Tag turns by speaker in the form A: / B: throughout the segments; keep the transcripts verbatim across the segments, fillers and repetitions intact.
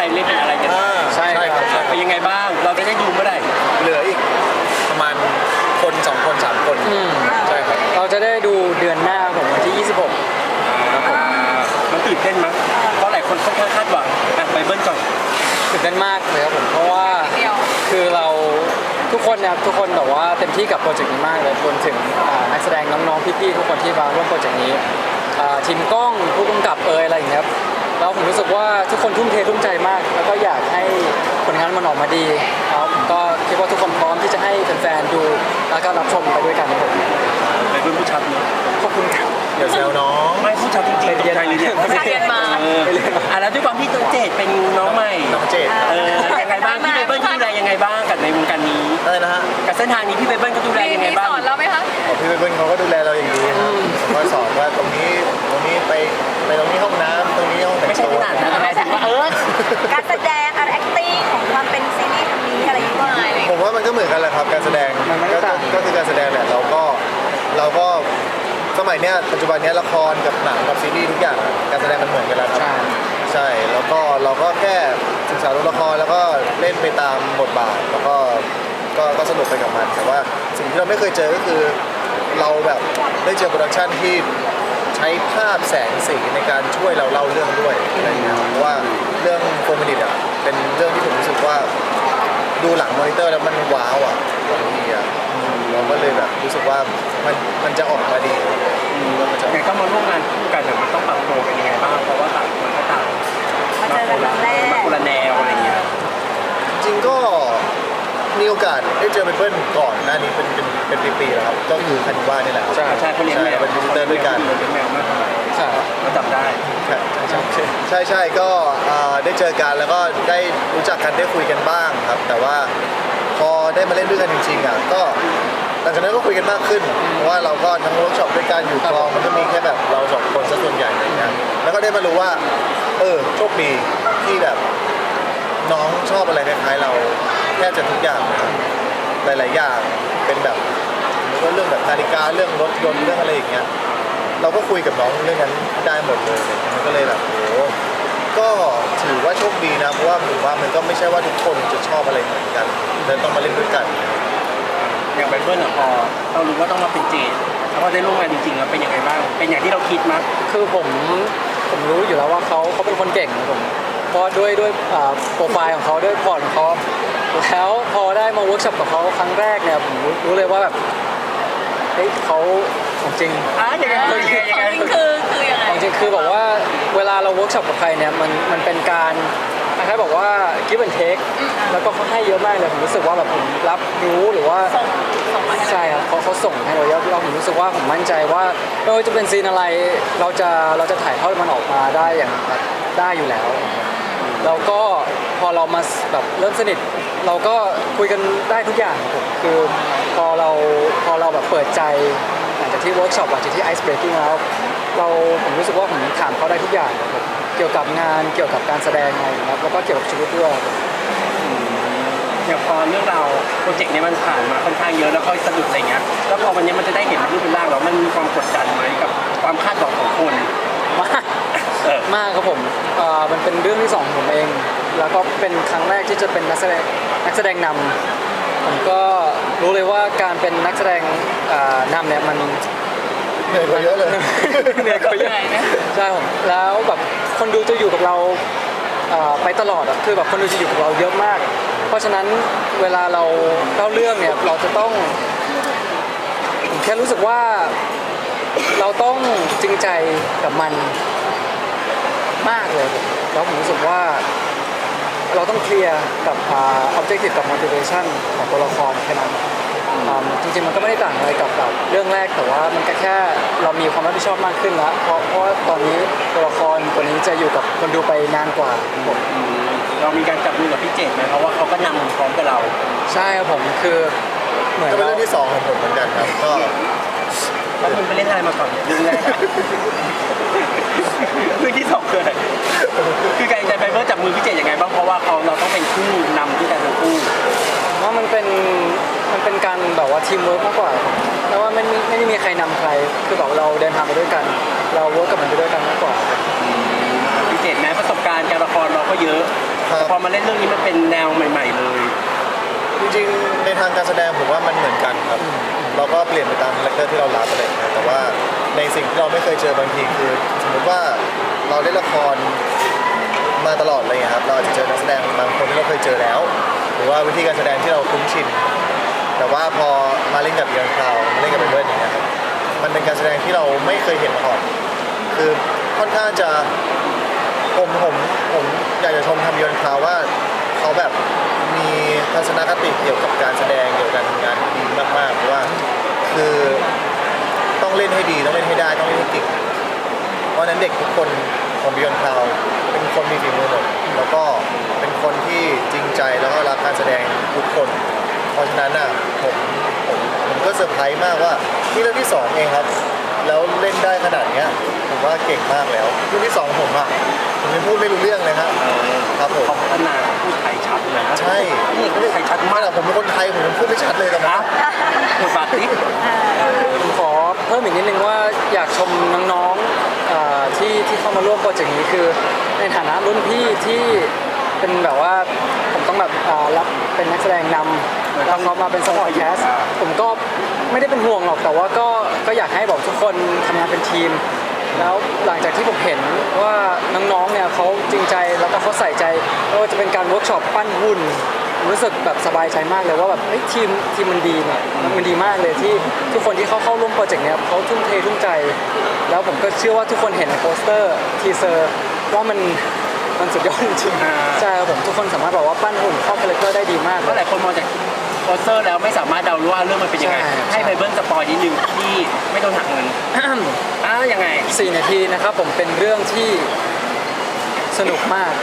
A: เล่นเป็นอะไรกัน
B: ใช่ครับ
A: เป็นยังไงบ้างเราจะได้ดูเมื่อไหร่
B: เหลืออีกประมาณคนสองคนสามคนใช่ครับ
C: เราจะได้ดูเดือนหน้าของวันที่ยี่สิบหกครับผม
A: มันตื่นเต้นมั้ยเพราะหลายคนค่อนข้างคาดหวังไปเบิ้ลก่อน
C: ตื่นเต้นมากเลยครับผมเพราะว่าคือเราทุกคนนะครับทุกคนแบบว่าเต็มที่กับโปรเจกต์นี้มากเลยรวมถึงนักแสดงน้องๆพี่ๆทุกคนที่มาร่วมโปรเจกต์นี้ทีมกล้องผู้กำกับเอยอะไรอย่างเงี้ยแล้วผมรู้สึกว่าทุกคนทุ่มเททุ่มใจมากแล้วก็อยากให้ผลงานมันออกมาดีแล้วผมก็คิดว่าทุกคนพร้อมที่จะให้แฟนๆดูแล้วก็รับชมไปด้วยกันครับผม
A: ไปเบิ้ลผู้ชัดเนาะ
C: ขอบคุณครับ
B: เดี๋ยวแซวน้อง
A: ไม่ผู้ชัดจริงๆตกใจเลยเนี่ย
D: ผู้ชัดเรียนมา
A: อ่ะแล้วด้วยความที่ตัวเจดเป็นน้องใหม่
B: น้องเจด
A: เออยังไงบ้างพี่เบิ้ลดูแลยังไงบ้างกับในวงการนี้
B: อะไรนะฮะ
A: กับเส้นทางนี้พี่เบิ้ลก็ดูแลยังไงบ้าง
D: สอนเราไหมคะ
B: พี่เบิ้ลเขาก็ดูแลเราอย่างดีก็สอนว่าตรงนี้ตรงนี้ไปไปตรงนี้ห้องน้ำตรงนี้ห้องแต่งตัว
A: ไม่ใช่ขนาดนั้นหมายถึงว่าเออ
D: การแสดงอะไร acting ของความเป็นซีรีส์คนนี้อะไรอย่างเงี้ย
B: ผมว่ามันก็เหมือนกันแหละครับการแสดงก็ก็คือการแสดงแหละเราก็เราก็สมัยเนี้ยปัจจุบันเนี้ยละครกับหนังกับซีรีส์ทุกอย่างการแสดงมันเหมือนกันแล้วครับใช่แล้วก็เราก็แค่ศึกษาตัวละครแล้วก็เล่นไปตามบทบาทแล้วก็ก็ก็สนุกไปกับมันแต่ว่าสิ่งที่เราไม่เคยเจอก็คือเราแบบได้เจอโปรดักชันที่ใช้ภาพแสงสีในการช่วยเราเล่าเรื่องด้วยอะไรเงี้ยเพราะว่าเรื่องโฟมินิตอ่ะเป็นเรื่องที่ผมรู้สึกว่าดูหลังมอนิเตอร์แล้วมันว้าวอ่ะบางทีอ่ะเราก็เลยแบบรู้สึกว่ามันมันจะออกมาดี
A: ไงก็มาร่วมงานคู่กันมันต้องปรับตัวกันยังไงบ้างเพราะว่าต่างคนก็ต่าง
D: มาเจอกันแรก
A: มาคนละแนวอะไรเงี้ย
B: จริงก็มีโอกาสได้เจอเพื่อนก่อนหน้านี้เป็นเป็นเป็นปีๆแล้วครับก็คือคันว่านี่แหละ
A: ใช่ใช่เขาเลี้ยงแมว
B: เป็นวินเตอร์ด้วยกัน
A: เลี้ยงแมวมากใช่ก็จำได้
B: ใช่ใช่ใช่ก็ได้เจอกันแล้วก็ได้รู้จักกันได้คุยกันบ้างครับแต่ว่าพอได้มาเล่นด้วยกันจริงๆอ่ะก็หลังจากนั้นก็คุยกันมากขึ้นเพราะว่าเราก็ทั้งเวิร์กช็อปด้วยกันอยู่กองมันก็มีแค่แบบเราสองคนซะส่วนใหญ่อะไรเงี้ยแล้วก็ได้มารู้ว่าเออโชคดีที่แบบน้องชอบอะไรคล้ายๆเราแทบจะทุกอย่างหลายๆอย่างเป็นแบบเรื่องแบบนาฬิกาเรื่องรถยนต์เรื่องอะไรอย่างเงี้ยเราก็คุยกับน้องเรื่องนั้นได้หมดเลยมันก็เลยแบบโอ้ก็ถือว่าโชคดีนะเพราะว่าผมว่ามันก็ไม่ใช่ว่าทุกคนจะชอบอะไรเหมือนกันเลยต้องมาเล่นด้วยกัน
A: อย่างไบเบิลอ่ะพอเรารู้ว่าต้องมาเป็นเจดแล้วพอได้ร่วมงานจริงๆแล้วเป็นยังไงบ้างเป็นอย่างที่เราคิดมั้ย
C: คือผมผมรู้อยู่แล้วว่าเขาเขาเป็นคนเก่งนะผมเพราะด้วยด้วยโปรไฟล์ของเขาด้วยพอร์ตของเขาแล้วพอได้มาเวิร์กช็อปกับเขาครั้งแรกเนี่ยผมรู้เลยว่าแบบเฮ้ยเขาของจริง
A: อ่ะยังไงคือยังไง
D: คือคือยังไง
C: ของจริงคือแบบว่าเวลาเราเวิร์กช็อปกับใครเนี่ยมันมันเป็นการคล้ายๆบอกว่า give and take แล้วก็เขาให้เยอะมากเลยผมรู้สึกว่าแบบผมรับรู้หรือว่าใช่ครับเขาเขาส่งให้เราเยอะเราผมรู้สึกว่าผมมั่นใจว่าไม่ว่าจะเป็นซีนอะไรเราจะเราจะถ่ายทอดมันออกมาได้อย่างได้อยู่แล้วแล้วก็พอเรามาแบบเริ่มสนิทเราก็คุยกันได้ทุกอย่างผมคือพอเราพอเราแบบเปิดใจหลังจากที่เวิร์กช็อปหลังจากที่ไอซ์เบรกกิ้งแล้วเราผมรู้สึกว่าผมถามเขาได้ทุกอย่างครับเกี่ยวกับงานเกี่ยวกับการแสดงอะไรนะครับแล้วก็เกี่ยวกับชีวิตด้วย
A: อย่างพอเรื่องเราโปรเจกต์นี้มันผ่านมาค่อนข้างเยอะแล้วก็สะดุดอะไรเงี้ยแล้วพอวันนี้มันจะได้เห็นรูปเป็นร่างแล้วมันมีความกดดันไหมกับความคาดหวังของคน
C: มากมากครับผมมันเป็นเรื่องที่สองของผมเองแล้วก็เป็นครั้งแรกที่จะเป็นนักแสดงนักแสดงนำผมก็รู้เลยว่าการเป็นนักแสดงนำเนี่ยมัน
B: เหนื่อยกว่าเยอะเลย
C: เหนื่อยกว่าเยอะใช่ผมแล้วแบบคนดูจะอยู่กับเราไปตลอดอ่ะคือแบบคนดูจะอยู่กับเราเยอะมากเพราะฉะนั้นเวลาเราเล่าเรื่องเนี่ยเราจะต้องผมแค่รู้สึกว่าเราต้องจริงใจกับมันมากเลยแล้วผมรู้สึกว่าเราต้องเคลียร์กับ objective กับ motivation ของตัวละครแค่นั้นจริงๆมันก็ไม่ได้ต่างอะไรกับแบบเรื่องแรกแต่ว่ามันก็แค่เรามีความรับผิดชอบมากขึ้นแล้วเพราะเพราะตอนนี้ตัวละครตัวนี้จะอยู่กับคนดูไปนานกว่าผม
A: เรามีการจับมือกับพี่เจดไหมเพราะว่าเขาก็นำพร้อมกับเรา
C: ใช่ครับผมคือ
B: เหมือนเป็นเรื่องที่สองของผมเหมือนกันครับก็
A: แล้วคุณไปเล่นอะไรมาก่อนเรื่องแรกเรื่องที่สองคืออะไรคือการจะไปเมื่อจับมือพี่เจดยังไงบ้างเพราะว่าเขาเราต้องเป็นคู่นำที่กันทั้งคู่
C: ว่ามันเป็นมันเป็นการแบบว่าทีมเวิร์กมากกว่าแล้วว่าไม่ไม่ได้มีใครนำใครคือแบบเราเดินทางไปด้วยกันเราเวิร์กกับมันไปด้วยกันมากกว่า
A: พี่เจเจตแม้ประสบการณ์การละครเราก็เยอะ
B: ครับ
A: แต่พอมาเล่นเรื่องนี้มันเป็นแนวใหม่ ๆ เลย
B: จริงๆในทางการแสดงผมว่ามันเหมือนกันครับ เราก็เปลี่ยนไปตามคาแรคเตอร์ที่เรารับอะไรอย่างเงี้ยแต่ว่าในสิ่งที่เราไม่เคยเจอบางทีคือ สมมติว่าเราเล่นละครมาตลอดอะไรอย่างเลยครับเราอาจจะเจอนักแสดงบางคนที่เราเคยเจอแล้ว หรือว่าวิธีการแสดงที่เราคุ้นชิน แต่ว่าพอมาเล่นกับเยอนคราวมาเล่นกับเบิร์ดอย่างเงี้ยครับมันเป็นการแสดงที่เราไม่เคยเห็นมาก่อนคือค่อนข้างจะผมผมผมอยากจะชมทำเยอนคราวว่าเขาแบบมีทัศนคติเกี่ยวกับการแสดงเกี่ยวกับการทำงานดีมากๆเพราะว่าคือต้องเล่นให้ดีต้องเล่นให้ได้ต้องเล่นให้เก่งเพราะฉะนั้นเด็กทุกคนของบิยอนคลาวเป็นคนมีฝีมือหมดแล้วก็เป็นคนที่จริงใจแล้วก็รักการแสดงทุกคน เพราะฉะนั้นน่ะผมผมผมก็เซอร์ไพรส์มากว่านี่เรื่องที่สองเองครับ แล้วเล่นได้ขนาดเนี้ยผมว่าเก่งมากแล้วเรื่องที่สองผมอ่ะผมยังพูดไม่รู้เรื่องเลยครับครับผม
A: เขาพัฒนาพูดไทยชัดเลยนะ
B: ใช่
A: นี่เขาพูดไทยชัด
B: ไม่
A: มาก
B: หรอกผมเป็นคนไทยผมยังพูดไม่ชัดเลยตอน
A: นะ
B: นั้น
A: บทบาทนี้
C: ผมขอเพิ่มอีกนิดนึงว่าอยากชมน้องๆเอ่อที่ที่เข้ามาร่วมโปรเจกต์นี้คือในฐานะรุ่นพี่ที่เป็นแบบว่าผมต้องแบบเอ่อรับเป็นนักแสดงนำแล้วเขามาเป็นสปอร์ตแคสผมก็ไม่ได้เป็นห่วงหรอกแต่ว่าก็ก็อยากให้บอกทุกคนทำงานเป็นทีม แล้วหลังจากที่ผมเห็นว่าน้องๆเนี่ยเขาจริงใจแล้วก็เขาใส่ใจไม่ว่าจะเป็นการเวิร์กช็อปปั้นหุ่นผมรู้สึกแบบสบายใจมากเลยว่าแบบเฮ้ยทีมทีมมันดีเนี่ยมันดีมากเลยที่ทุกคนที่เขาเข้าร่วมโปรเจกต์เนี่ยเขาทุ่มเททุ่มใจ แล้วผมก็เชื่อว่าทุกคนเห็นในโปสเตอร์ทีเซอร์ว่ามันมันสุดยอดจริงๆใช่ครับผมทุกคนสามารถบอกว่าปั้นหุ่นเข้าคาแรคเตอร์ได้ดีมาก
A: เพราะหลายคนมองจากโปสเตอร์แล้วไม่สามารถเดารู้ว่าเรื่องมันเป็นยังไง
C: ใช่
A: ให้ไบเบิลสปอยนิดนึงที่ไม่โดนหักเงินอ้าวยังไง
C: สี่นาทีนะครับผมเป็นเรื่องที่สนุกมาก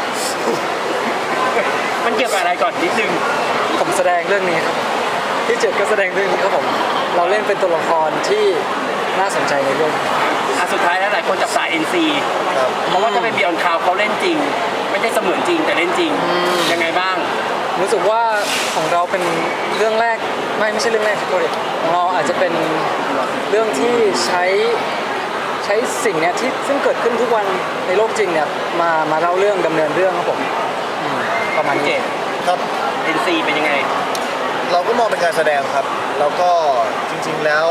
A: มันเกี่ยวกับอะไรก่อนนิดนึง
C: ผมแสดงเรื่องนี้ครับที่เจ็ดก็แสดงเรื่องนี้ครับผมเราเล่นเป็นตัวละครที่น่าสนใจในเรื่อง
A: อ่ะสุดท้ายแล้วหลายคนจับสาย เอ็น ซี
B: ครับ
A: เพราะว่าถ้าเป็นบิออนคาวเขาเล่นจริง ไม่ได้เสมือนจริงแต่เล่นจริง ยังไงบ้าง
C: รู้สึกว่าของเราเป็นเรื่องแรกไม่ไม่ใช่เรื่องแรกครับโทษดิของเราอาจจะเป็นเรื่องที่ใช้ใช้สิ่งเนี้ยที่ซึ่งเกิดขึ้นทุกวันในโลกจริงเนี่ยมามาเล่าเรื่องดำเนินเรื่องครับผมอืมประมาณ
A: เจ
C: นี้
A: ด
B: ครับ
A: เอ็น ซี เป็นยังไง
B: เราก็มองเป็นการแสดงครับ แล้วก็จริงๆแล้ว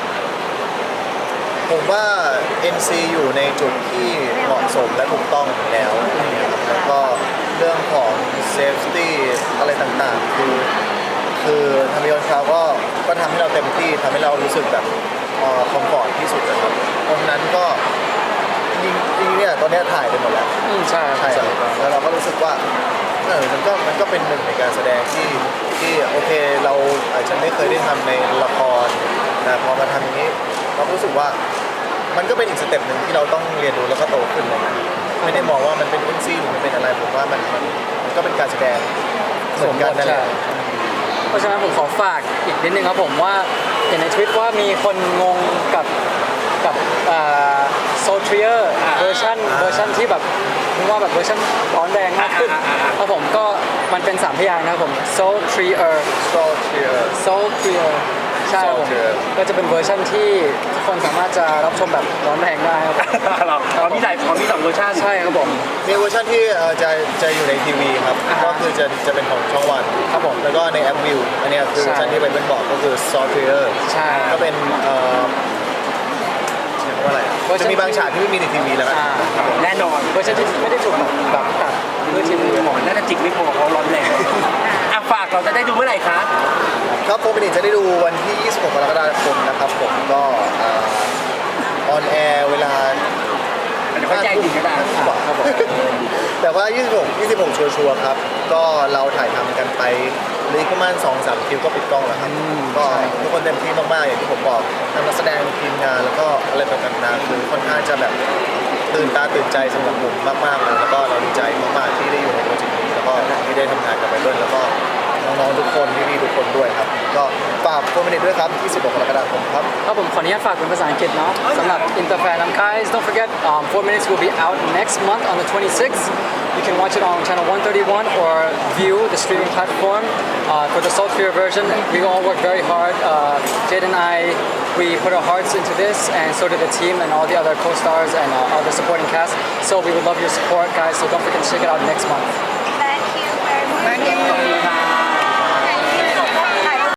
B: ผมว่า เอ็น ซี อยู่ในจุดที่เหมาะสมและถูกต้องแล้วนะครับแล้วก็เรื่องของ safety อะไรต่างๆ คือ คือทำให้เราเขาก็ก็ทำให้เราเต็มที่ทำให้เรารู้สึกแบบคอมฟอร์ตที่สุดนะครับเพราะฉะนั้นก็จริงจริงๆเนี่ยตอนเนี้ยถ่ายไปหมดแล้ว
C: อืมใช่
B: ใช่ครับแล้วเราก็รู้สึกว่าเออมันก็มันก็เป็นหนึ่งในการแสดงที่ที่โอเคเราอาจจะไม่เคยได้ทำในละครแต่พอมาทำอย่างนี้เราก็รู้สึกว่ามันก็เป็นอีกสเต็ปหนึ่งที่เราต้องเรียนรู้แล้วก็โตขึ้นเลยนะไม่ได้มองว่ามันเป็นเอ็นซีหรือมันเป็นอะไรผมว่ามันมันมันก็เป็นการแสดงเหมือนกันนั่นแหละ
C: เพราะฉะนั้นผมขอฝากอีกนิดนึงครับผมว่าเห็นในทวิตว่ามีคนงงกับกับโซเทียร์
A: อ่า
C: เวอร์ชัน
B: อ่า
C: เวอร์ชันที่แบบผมว่าแบบเวอร์ชันร้อนแรงมากขึ้น
A: อ่าอ่าอ่า
C: ครับผมก็มันเป็นสามพยางค์นะครับผม so three er
B: โซเชียล
C: so three er ใช่ครับผม
B: Saltier
C: ก็จะเป็นเวอร์ชันที่ทุกคนสามารถจะรับชมแบบร้อนแรงได้ครับผม
A: เราเขามีหลายเขามีสองเวอร์ชัน
C: ใช่ครับผม
B: มีเวอร์ชันที่เอ่อจะจะอยู่ในทีวีครับ
C: อ่าฮะ
B: ก็คือจะจะเป็นของช่องวัน
C: ครับผม
B: แล้วก็ในแอปวิวอันเนี้ยคือ
C: ใช่
B: เวอร์ชันที่เป็นบอกก็คือซอฟต์แวร์
C: ใช่
B: ก็เป็นเอ่อเรียกว่าอะไร
C: เวอร์ชัน
B: จะมีบางฉากที่ไม่มีในทีวีแล้วกัน
C: อ่า
A: แน่นอน
C: เวอร์ชันที่ไม่ได้ถูกแบบแบบตัดเพื่อทีวี
A: หมอน่าจะจิกไม่พอเขาร้อนแรงอ่ะฝากเราจะได้ดูเมื่อไหร่คะ
B: ครับโฟร์มินิทจะได้ดูวันที่ ยี่สิบหก กรกฎาคมนะครับผมก็ออนแอร์เวลา
A: เดี๋ยวค่อยแจ้งอีกก็ได้
B: ห้าทุ่มกว่าครับผมแต่ว่า ยี่สิบหก ยี่สิบหก ชัวร์ๆครับ ก็เราถ่ายทำกันไปเหลยประมาณ สองสาม คิวก็ปิดกล้องแล้วครับ ก็ทุกคนเต็มที่มากๆ อย่างที่ผมบอกทั้งนักแสดงทีมงานแล้วก็อะไรต่างๆนานาคือค่อนข้างจะแบบตื่นตาตื่นใจสำหรับผมมากๆเลยแล้วก็เราดีใจมากๆที่ได้อยู่ในโปรเจกต์นี้แล้วก็ที่ได้ทำงานกับไบเบิลแล้วก็น้องๆทุกคนพี่ๆทุกคนด้วยครับ ก็ฝากโฟร์มินิทด้วยครับ ยี่สิบหก กรกฎาคมครับ
C: ครับผมขออนุญาตฝากเป็นภาษาอังกฤษเนาะสำหรับ Interfan um, guys don't forget um, four minutes will be out next month on the twenty-sixth you can watch it on channel one thirty-one or view the streaming platform uh, for the Sultry version we all work very hard uh, Jade and I we put our hearts into this, and so did the team and all the other co-stars and uh, all the supporting cast. So we would love your support, guys. So don't forget to check it out next month.